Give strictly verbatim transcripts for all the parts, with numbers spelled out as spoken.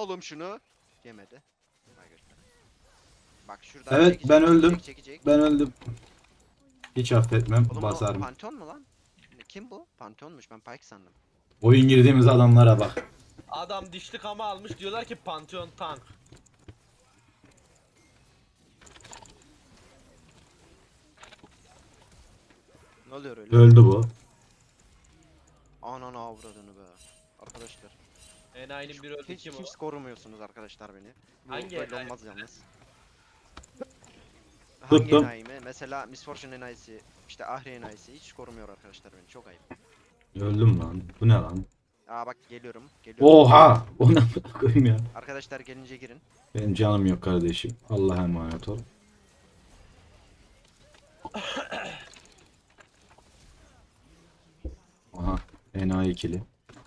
oğlum şunu. Yemedi. Vay göster. Bak şuradan Evet çekecek, ben çekecek, öldüm. çekecek. Ben öldüm. Hiç affetmem. Oğlum o Basarım. Pantheon mu lan? Kim bu? Pantheon'muş, ben Pyke sandım. Oyun girdiğimiz adamlara bak. Adam dişli kama almış, diyorlar ki Pantheon tank. Ne oluyor öyle? Öldü bu. Ananı avradını be. Arkadaşlar. Enayinin biri öldü, Hiç, kim o? hiç korumuyorsunuz arkadaşlar beni. Bu Hangi böyle enayi? olmaz yalnız. Hangi Tuttum. enayi mi? Mesela Miss Fortune enayisi, işte Ahri enayisi hiç korumuyor arkadaşlar beni. Çok ayıp. Öldüm lan. Bu ne lan? Aa bak geliyorum. Geliyorum. Oha! O ne koyayım ya. Arkadaşlar gelince girin. Benim canım yok kardeşim. Allah'a emanet ol. Aha. Enayi ikili.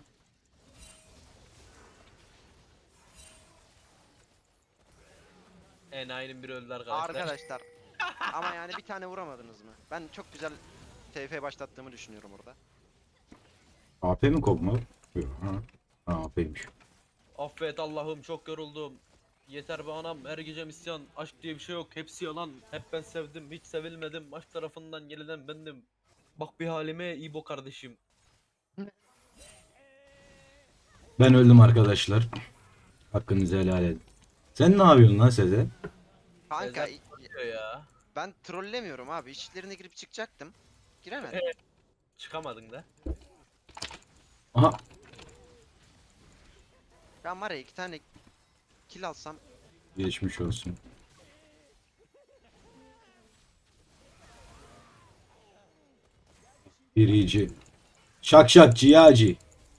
Enayinin biri öldü arkadaşlar. Arkadaşlar. Ama yani bir tane vuramadınız mı? Ben çok güzel T F başlattığımı düşünüyorum orada. A P mi kopma? Yok. Ha. Ha, A P'ymiş. Affet Allah'ım, çok yoruldum. Yeter be anam, her gece isyan. Aşk diye bir şey yok, hepsi yalan. Hep ben sevdim, hiç sevilmedim. Aşk tarafından yenilen bendim. Bak bir halime İbo kardeşim. Ben öldüm arkadaşlar. Hakkınızı helal edin. Sen ne yapıyorsun lan Sezer? Kanka Sezer diyor ya. ben trollemiyorum abi. İçlerine girip çıkacaktım. Giremedim. Çıkamadın da. Aha. Ben var ya iki tane kill alsam Geçmiş olsun. Birici. Şak şak ciğacı.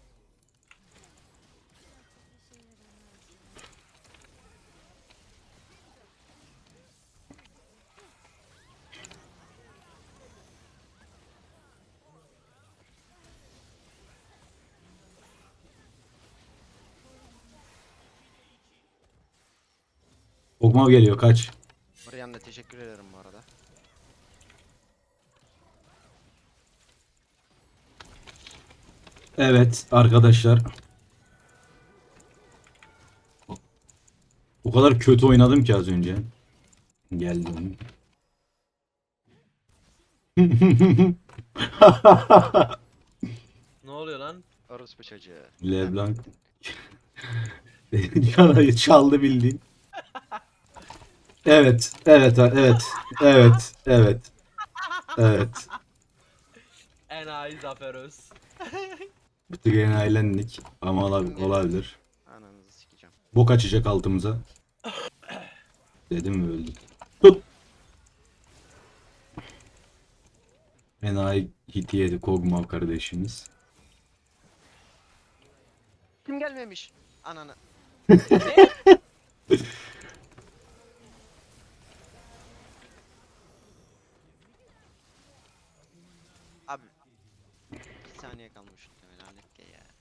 Okma geliyor kaç. Marianne teşekkür ederim bu arada. Evet arkadaşlar. O kadar kötü oynadım ki az önce. Geldim. Ne oluyor lan? Orospu çocuğu. LeBlanc. Çalayı çaldı bildiğin. Evet, evet, evet, evet, evet, evet. Enayi Zafer Öz. Bir tık enayilendik ama ola- olabilir. Ananızı sikeceğim. Bok açacak altımıza. Dedim ve öldüm. Tut. Enayi hiti yedi Kog'Maw kardeşimiz. Kim gelmemiş? Ananı. Abi. Bir saniye kalmış. Lanet ki ya.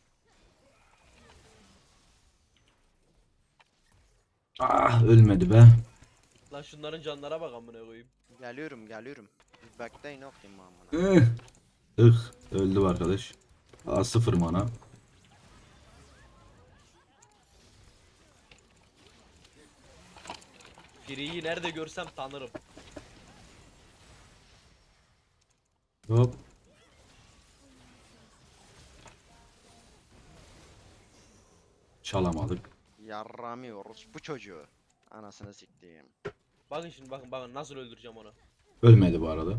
Ah ölmedi be. Lan şunların canlara bak amına koyayım. Geliyorum geliyorum. Back'tayım okuyayım amına. Ih. Ih. Öldü bu arkadaş. Aa, sıfır mana. Firiyi nerede görsem tanırım. Hop. Çalamadık. Yarramıyoruz bu çocuğu. Anasını siktiğim. Bakın şimdi, bakın bakın nasıl öldüreceğim onu. Ölmedi bu arada.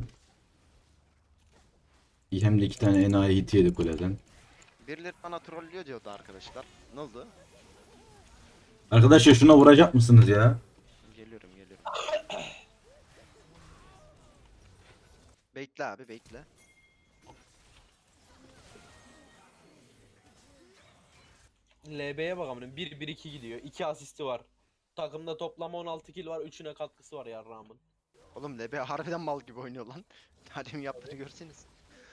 Hem de iki tane enayi hit yedi kuleden. Birileri bana trollüyor diyordu arkadaşlar. Ne oldu? Arkadaşlar şuna vuracak mısınız ya? Geliyorum geliyorum. Bekle abi bekle. L B'ye bak amına, bir bir iki gidiyor. iki asisti var. Takımda toplam on altı kill var. üçüne katkısı var yarrağımın. Oğlum L B harbiden mal gibi oynuyor lan. Hadi mi yaptığını görseniz.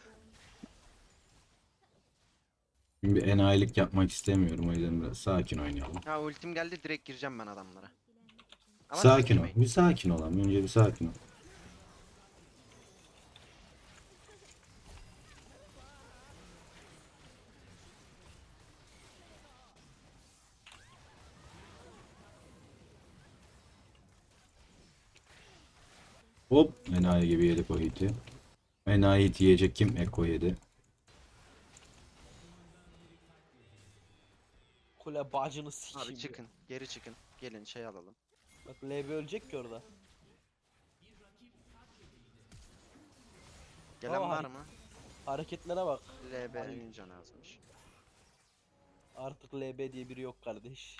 Bir enayilik yapmak istemiyorum o yüzden biraz sakin oynayalım. Ha ultim geldi, direkt gireceğim ben adamlara. Ama siz Sakin ol. girmeyin. Bir sakin olalım. Önce bir sakin ol. Hop. Enayi gibi yedik o hiti. Enayi hiti yiyecek kim? Eko yedi. Kule bacını Abi sikeyim. çıkın. Geri çıkın. Gelin şey alalım. Bak L B ölecek ki orada. Gelen Aa, var mı? Hareketlere bak. L B'nin canı azmış. Artık L B diye biri yok kardeş.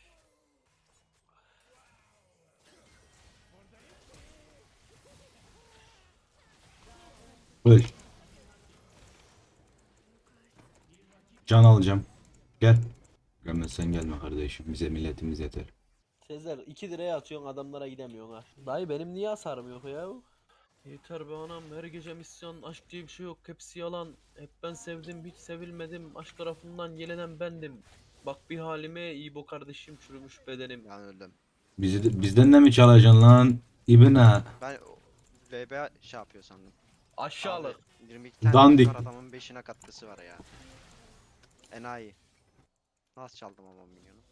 Öl. Can alacağım. Gel. Gelmezsen gelme kardeşim. Bize milletimiz yeter. Sezer iki liraya atıyorsun adamlara gidemiyorsun ha. Dayı benim niye hasarım yok ya? Yeter be anam, her gece misyon, aşk diye bir şey yok, hepsi yalan. Hep ben sevdim, hiç sevilmedim, aşk tarafından yelenen bendim. Bak bir halime, iyi bu kardeşim, çürümüş bedenim. Ben öldüm. Bizi de- bizden de mi çalacaksın lan? İbne. Ben o- L B şey yapıyor sandım. Aşağılık. Abi, yirmi iki tane Dandik. var, adamın beşine katkısı var ya. Enayi. Nasıl çaldım ama milyonu?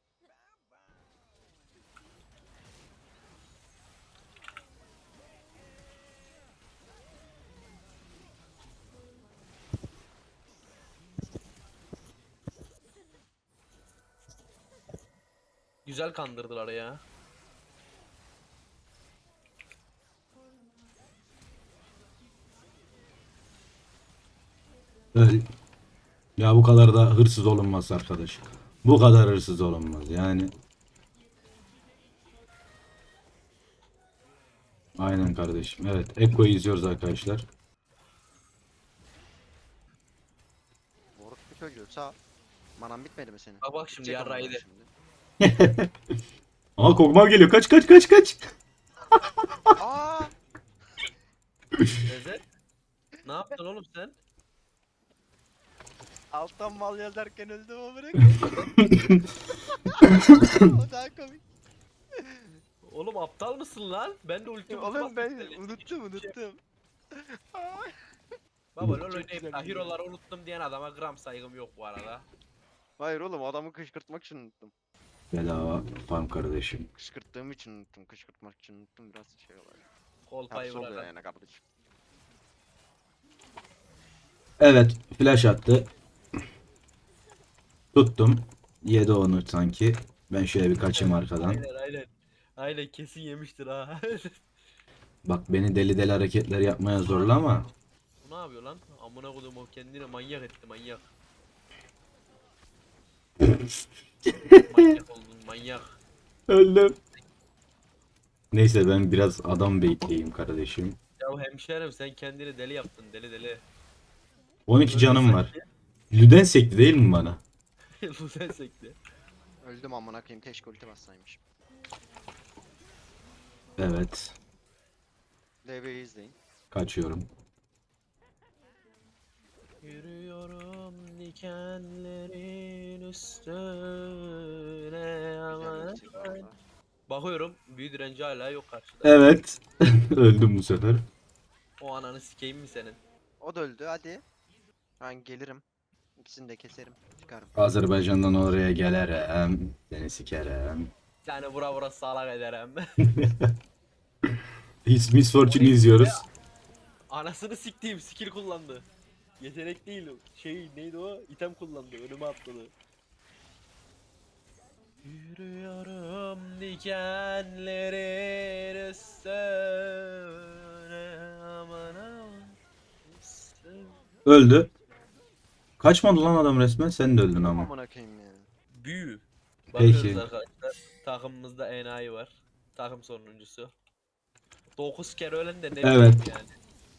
Güzel kandırdılar ya. Öl. Ya bu kadar da hırsız olunmaz arkadaş. Bu kadar hırsız olunmaz yani. Aynen kardeşim. Evet. Ekko'yu izliyoruz arkadaşlar. Boruk bir çocuğu sağ. Manam bitmedi mi senin? Bak bak şimdi Bitecek ama yarraydı. şimdi. Aa Kog'Maw geliyor. Kaç kaç kaç kaç. Aa! Sezer. Ne yaptın oğlum sen? Alttan mal yazarken öldüm o bırak. O daha komik. Oğlum aptal mısın lan? Ben de ulti ulti Oğlum bastım ben seni. unuttum unuttum. Baba lol Çok oynayıp güzel da bir hero'ları unuttum diyen adama gram saygım yok bu arada. Hayır oğlum, adamı kışkırtmak için unuttum. Bedava farm kardeşim. Kışkırttığım için unuttum. Kışkırtmak için unuttum, biraz şey olay. Kolpayı Hapsi oluyor bırakan. yani kardeşim. Evet. Flash attı. Tuttum. Yedi onu sanki. Ben şöyle bir kaçayım arkadan. Aynen aynen. Aynen kesin yemiştir ha. Bak beni deli deli hareketler yapmaya zorla ama. Bu ne yapıyor lan? Amına kodum, o kendini manyak etti manyak. Manyak oldun manyak. Öldüm. Neyse ben biraz adam bekleyeyim kardeşim. Ya hemşerim sen kendini deli yaptın, deli deli. on iki canım var. Lüden sekti değil mi bana? Bu sen sekti. Öldüm amına koyayım, keşke ulti bassaymış. Evet. L B'yi izleyin. Kaçıyorum. Yürüyorum dikenlerin üstüne Güzel aman. ulti bu arada. Bakıyorum büyü direnci hala yok karşıda. Evet. Öldüm bu sefer. O ananı sikeyim mi senin? O da öldü, hadi. Ben gelirim. İkisini de keserim. Çıkarım. Azerbaycan'dan oraya gelirim. Seni sikerim. Yani vura vura salak ederim. His Miss Fortune'u izliyoruz. Anasını siktiğim skill kullandı. Yetenek değil o. Şey neydi o? İtem kullandı. Önüme atladı. Yürüyorum dikenlerin üstüne aman aman. Üstüne. Öldü. Kaçmadı lan adam resmen. Sen de öldün ama. Amına koyayım ya. Büyü. Peki. Bakıyoruz arkadaşlar. Takımımızda enayi var. Takım sonuncusu. dokuz kere ölen de ne Evet. bileyim yani.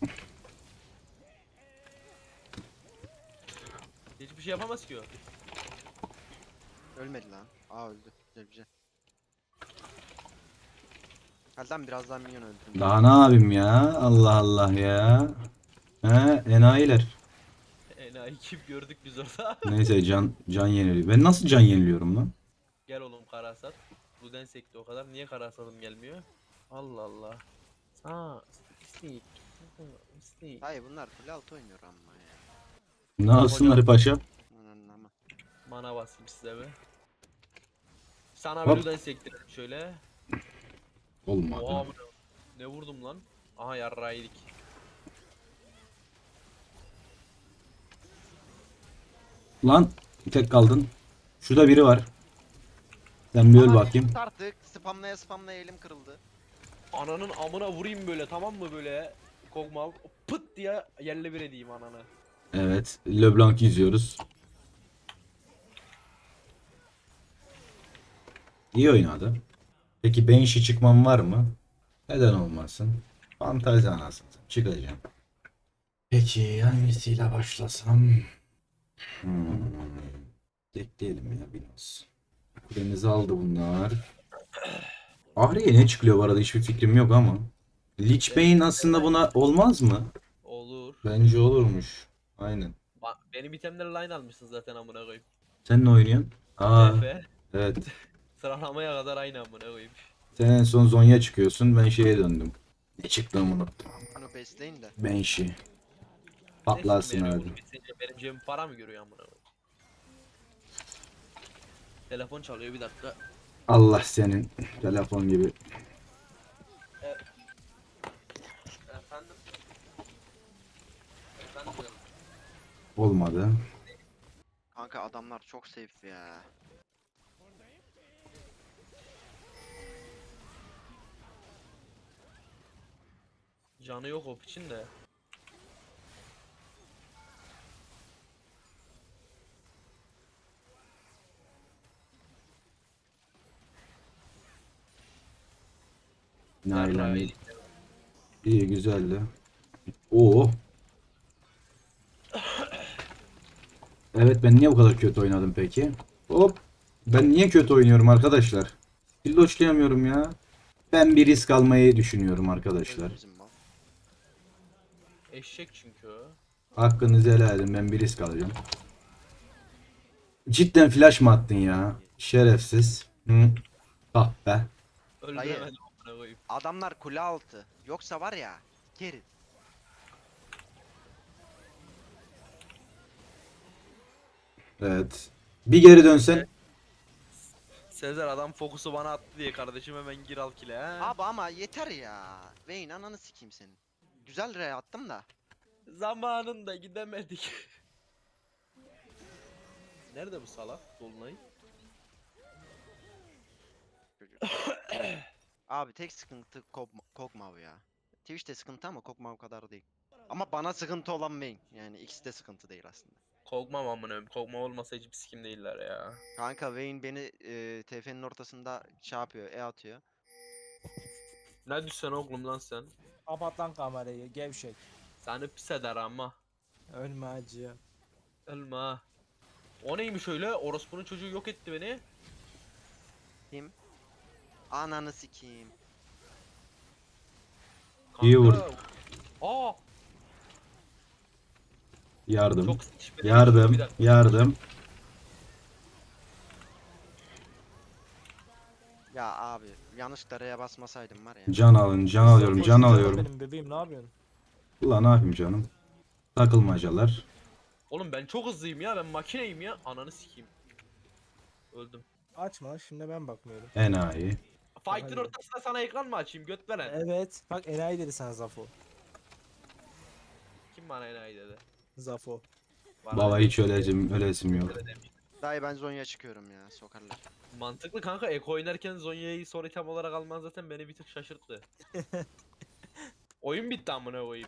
Hiçbir şey yapamaz ki o. Ölmedi lan. Aa öldü. Güzel güzel. Hadi lan birazdan minyon öldürdüm. Daha ne yapayım ya? Allah Allah ya. He, enayiler. Enayi kim gördük biz orada. Neyse can can yeniliyor. Ben nasıl can yeniliyorum lan? Gel oğlum Karasat. Ruden sekti o kadar. Niye Karasat'ım gelmiyor? Allah Allah. Aa, istik. İstik. Hayır, bunlar full alt oynuyor ama ya. Ne yapsınlar paşam? Anan ama. Mana basayım size be. Sana Hop. bir Ruden sektirelim şöyle. Oha Olmadı. bu ne? Ne vurdum lan? Aha yarrağı yedik. Lan tek kaldın. Şurada biri var. Sen bir öl Ama bakayım. tut artık. Spamlaya spamlaya elim kırıldı. Ananın amına vurayım böyle, tamam mı böyle? Kog'Maw pıt diye yerle bir edeyim ananı. Evet. LeBlanc izliyoruz. İyi oynadı. Peki Banshee çıkmam var mı? Neden olmasın? Fantezi anasını satayım. Çıkacağım. Peki hangisiyle başlasam? Hmm. Bekleyelim ya biraz. Kulemizi aldı bunlar. Ahri'ye ne çıkıyor bu arada hiçbir fikrim yok ama. Lich Bane aslında buna olmaz mı? Olur. Bence olurmuş. Aynen. Ba- Benim itemleri line almışsın zaten amına koyayım. Sen ne oynuyorsun? Aa, T F. evet. Sıralamaya kadar aynı amına koyayım. Sen en son Zonya çıkıyorsun. Ben şeye döndüm. Ne çıktı unuttum. Bunu besleyin de. Banshee. Patlarsın Neyse, hadi. benim, benim, benim cebim para mı görüyor amına koyayım? Telefon çalıyor, bir dakika. Allah senin telefon gibi. Efendim? Efendim? Olmadı. Kanka adamlar çok safe ya. Canı yok o için de. Naylan Yarrağı iyi. yedik. İyi güzeldi. Oo. Evet ben niye bu kadar kötü oynadım peki? Hop. Ben niye kötü oynuyorum arkadaşlar? Pilloçlayamıyorum ya. Ben bir risk almayı düşünüyorum arkadaşlar. Öldü bizim mal. Eşek çünkü o. Hakkınızı helal edin, ben bir risk alacağım. Cidden flash mı attın ya? Şerefsiz. Hı. Ah be. Öldüremedim amına koyayım. Adamlar kule altı. Yoksa var ya. Geri. Evet. Bir geri dönsen. Sezer adam fokusu bana attı diye kardeşim hemen gir al kile ha. Abi ama yeter ya. Vayne ananı sikeyim senin. Güzel re attım da. Zamanında gidemedik. Nerede bu salak Dolunay? Çocuk. Abi tek sıkıntı Kog- Kog'Maw ya. Twitch'te sıkıntı ama Kog'Maw kadar değil. Ama bana sıkıntı olan Vayne. Yani ikisi de sıkıntı değil aslında. Kog'Maw amına koyayım. Kog'Maw olmasa hiçbir sikim değiller ya. Kanka Vayne beni e, T F'nin ortasında şey yapıyor, E atıyor. Ne düşsen oğlum lan sen? Kapat lan kamerayı gevşek. Seni pis eder ama. Ölme acı. Ölme ha. O neymiş öyle? Orospu'nun çocuğu yok etti beni. Kim? Ananı sikeyim. İyi Kanka. vurdu. Aa, Yardım. çok sıkışmadı. Yardım. Bir dakika. Yardım. Ya abi yanlışlıkla R'ye basmasaydım var ya. Can alın. Can alıyorum. Can Koşun alıyorum. Benim bebeğim ne yapıyorsun? Ulan ne yapayım canım? Takılmacalar. Oğlum ben çok hızlıyım ya. Ben makineyim ya. Ananı sikeyim. Öldüm. Açma şimdi ben bakmıyorum. Enayi. Fight'ın Hayır. ortasında sana ekran mı açayım? Göt veren. Evet bak enayi dedi sana Zafo. Kim bana enayi dedi? Zafo. Bana Baba dedi. hiç ölecim, ölesim yok. Öyle demiş. Dayı ben Zonya çıkıyorum ya sokarlar. Mantıklı kanka. Eko oynarken Zonya'yı son item olarak alman zaten beni bir tık şaşırttı. Oyun bitti amına koyayım.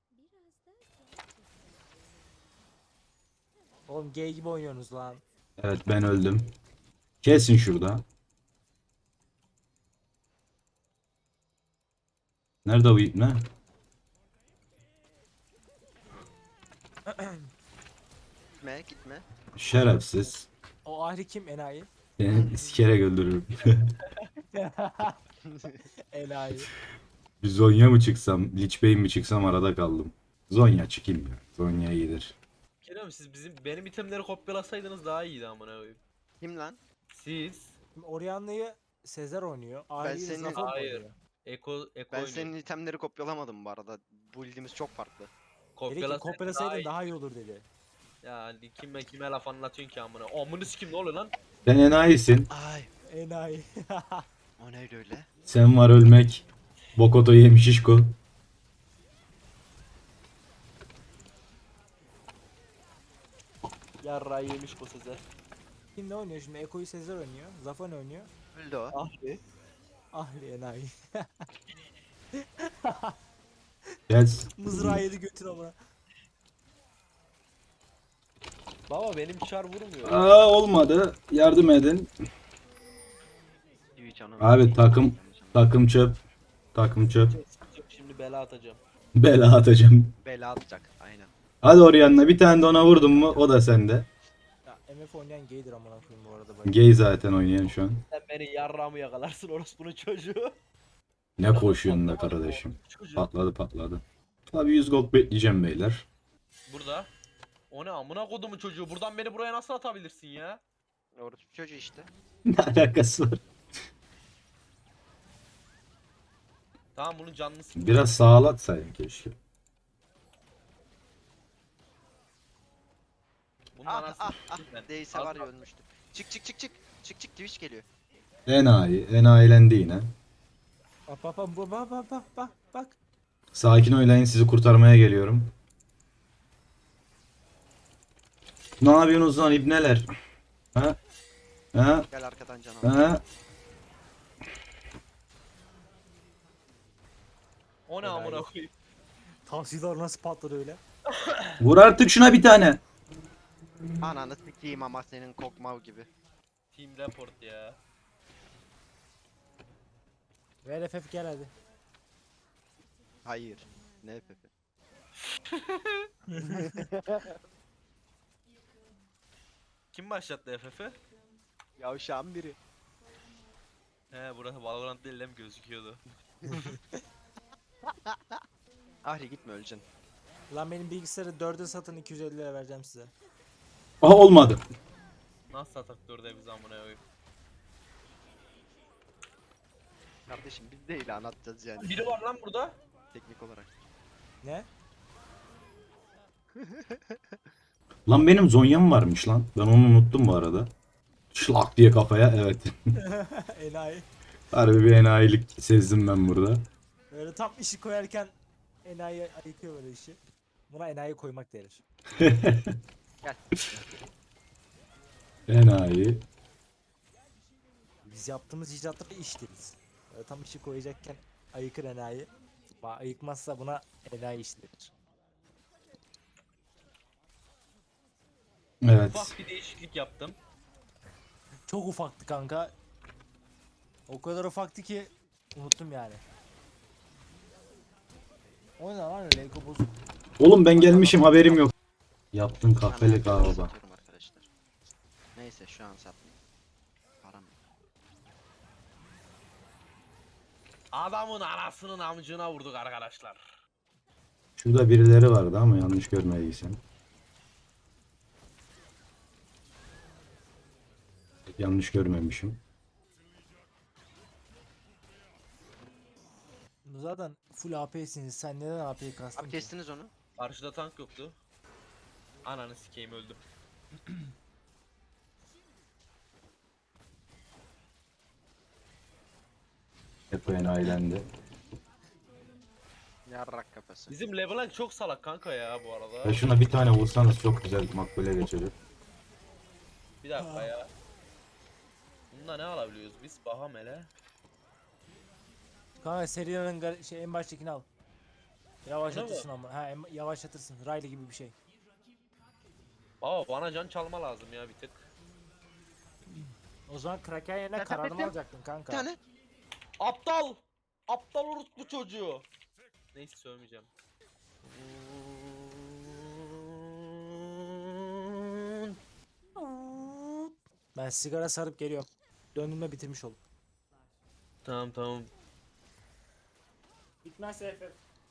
Oğlum gay gibi oynuyorsunuz lan. Evet ben öldüm. Kesin şurada. Nerede bu ipne? Gitme gitme. Şerefsiz. O ahri kim enayi? Seni sikerek öldürürüm. Enayi. Bir Zonya mı çıksam, Lich Bane mi çıksam arada kaldım. Zonya çıkayım ya. Zonya iyidir. Kerem siz bizim benim itemleri kopyalasaydınız daha iyiydi amına koyayım. Kim lan? Siz Şimdi Orianna'yı Sezer oynuyor. Ahri'yi senin- Zafo mu Hayır. oynuyor? Eko Eko Ben oynuyor. senin itemleri kopyalamadım bu arada. Build'imiz çok farklı. Dedi ki Kopyalasaydın kopyalasaydın iyi. daha iyi olur dedi. Ya kime kime laf anlatıyorsun ki amına? Amını sikim ne oluyor lan? Sen enayisin. Ay Enayi. o neydi öyle? Sen var ölmek. Bokoto yemiş şişko. Yarrağı yemiş bu Sezer. Kim ne oynuyor şimdi? Eko'yu Sezer oynuyor. Zafan oynuyor. Öldü o. Ahri. Ahli enayi. Gel. Mızrağı yedi götür ama. Baba benim çar vurmuyor. Aa, olmadı. Yardım edin. Twitch ananı Abi satayım. takım takım çöp. Takım çöp. Şimdi bela atacağım. Bela atacağım. Bela atacak. Aynen. Hadi Orianna, bir tane de ona vurdun mu o da sende. Ya M F oynayan gaydir amına koyayım bu arada. Bak. Gay zaten oynayan şu an. Sen beni yarrağımı yakalarsın orospunun çocuğu. Ne koşuyorsun da kardeşim. Çocuğu. Patladı patladı. Tabii yüz gold bekleyeceğim beyler. Burada. O ne amına kodumun çocuğu. Buradan beni buraya nasıl atabilirsin ya? Orası çocuğu işte. Ne alakası var? Tamam bunun canını sık. Biraz sağlatsaydın keşke. Bunun Ah anasını ah ah. s**eyim ben. Değilse var ya Kalk, ölmüştü. Çık çık çık çık. Çık çık Twitch geliyor. Enayi. Enayilendi yine. Bak bak bak bak bak bak bak bak bak. Sakin oynayın, sizi kurtarmaya geliyorum. Ne yapıyorsunuz lan ibneler? Ha? Ha? Gel arkadan can al. Ha? O ne Helal amına olsun. koyayım. Tavsiyeler nasıl patladı öyle? Vur artık şuna bir tane. Ananı sikeyim ama senin kokmav gibi. Team report ya. Ver F F gel hadi. Hayır. Ne Pepe? Kim başlattı F F'i? Yavşağın biri. He burası Valorant değil mi gözüküyordu. Ahri gitme öleceksin. Lan benim bilgisayarı dörde satın iki yüz elli lira vereceğim size. Aha, olmadı. Nasıl satak dörde biz amına koyayım. Kardeşim biz de ilan atacağız yani. Biri var lan burada. Teknik olarak. Ne? Lan benim Zonya'm varmış lan. Ben onu unuttum bu arada. Şlak diye kafaya, evet. Enayi. Harbi bir enayilik sezdim ben burada. Böyle tam işi koyarken enayi ayıkıyor böyle işi. Buna enayi koymak denir. Gel. Enayi. Biz yaptığımız icatları iş deriz. Böyle tam işi koyacakken ayıkır enayi. Ba ayıkmazsa buna enayi iş denir. Evet. Ufak bir değişiklik yaptım. Çok ufaktı kanka. O kadar ufaktı ki unuttum yani. O ne lan öyle Eko bozuk. Oğlum ben gelmişim, haberim yok. Yaptın Ben kahveli herkese kahve. satıyorum arkadaşlar. Neyse şu an satmayayım. Param yok. Adamın anasının amcına vurduk arkadaşlar. Şurada birileri vardı ama yanlış görmediysem. Yanlış görmemişim. Zaten full A P'siniz. Sen neden A P'yi kastın Abi ki? kestiniz onu. Karşıda tank yoktu. Ananı sikeyim öldüm. Hep enayilendi. Yarrak kafası. Bizim Leblanc çok salak kanka ya bu arada. Ya şuna bir tane vursanız çok güzel makbule geçecek. Bir dakika ya. Bunda ne alabiliyoruz biz? Baham hele. Kanka Seria'nın gar- şey en baştakini al. Öyle Yavaşlatırsın ama. Ha em- yavaşlatırsın. Riley gibi bir şey. Baba bana can çalma lazım ya bir tık. O zaman Kraken yerine Tep, tep, kararımı tep. alacaktın kanka. Bir tane. Aptal! Aptal orospu çocuğu. Neyse söylemeyeceğim. Ben sigara sarıp geliyorum. Döndüğümde bitirmiş oldum. Tamam tamam. Bitmezse F F.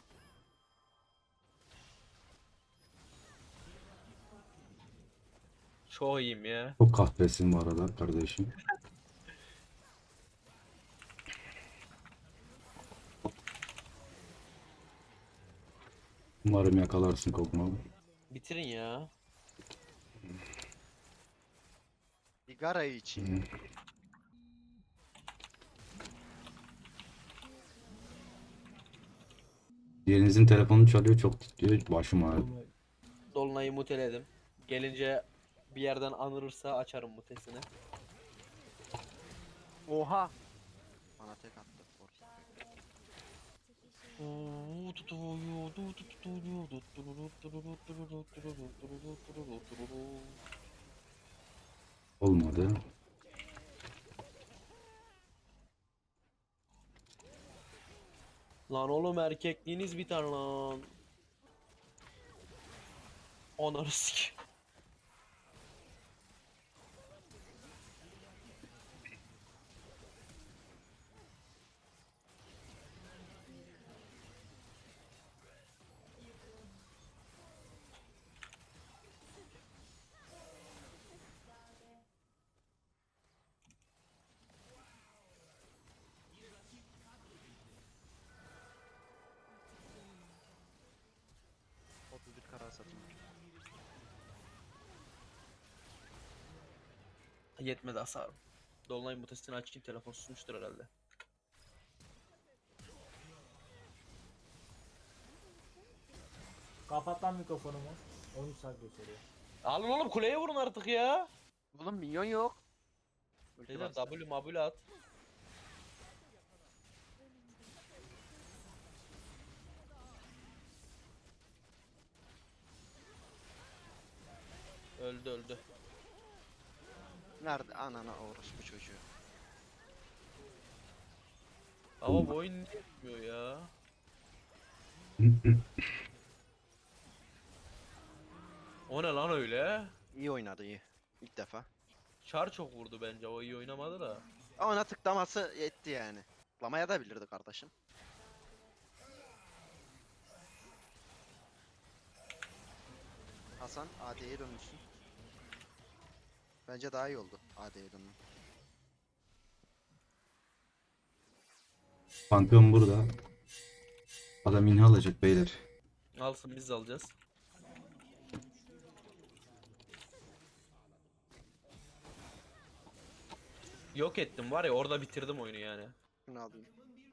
Çok iyiyim ya. Çok kahvesin bu arada kardeşim. Umarım yakalarsın kokmamı. Bitirin ya. Sigara için. Yerinizin telefonu çalıyor, çok titriyor, başım ağrıdı. Dolunay'ı muteledim. Gelince Bir yerden anırırsa açarım mutesini. Oha. Bana tek attı. Orası. Olmadı. Lan oğlum erkekliğiniz biter lan. Onarı sik. otuz bir karar satayım. Yetmedi hasarım. Dolunay mutesini açayım, telefon susmuştur herhalde. Kapat lan mikrofonumu. on üç saat gösteriyor. Alın oğlum, kuleye vurun artık ya. Oğlum minyon yok. Ulti Beyler varsa. W mabule at. Öldü öldü. Nerede? Anana orospu çocuğu. Ama bu oyun niye yapmıyor ya? O ne lan öyle? İyi oynadı iyi. İlk defa. Char çok vurdu bence, o iyi oynamadı da. Ama ona tıklaması yetti yani. Tıklamaya da bilirdi kardeşim. Hasan A D'ye dönmüşsün. Bence daha iyi oldu A D'ye dönmen. Pantheon burada. Adam inha alacak beyler. Alsın, biz de alacağız. Yok ettim var ya, orada bitirdim oyunu yani. Şunu alayım.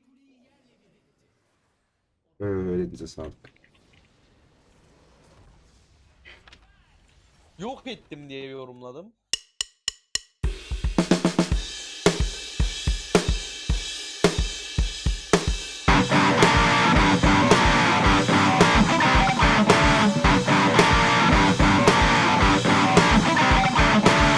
Öyle bize sağlık. Yok ettim diye yorumladım.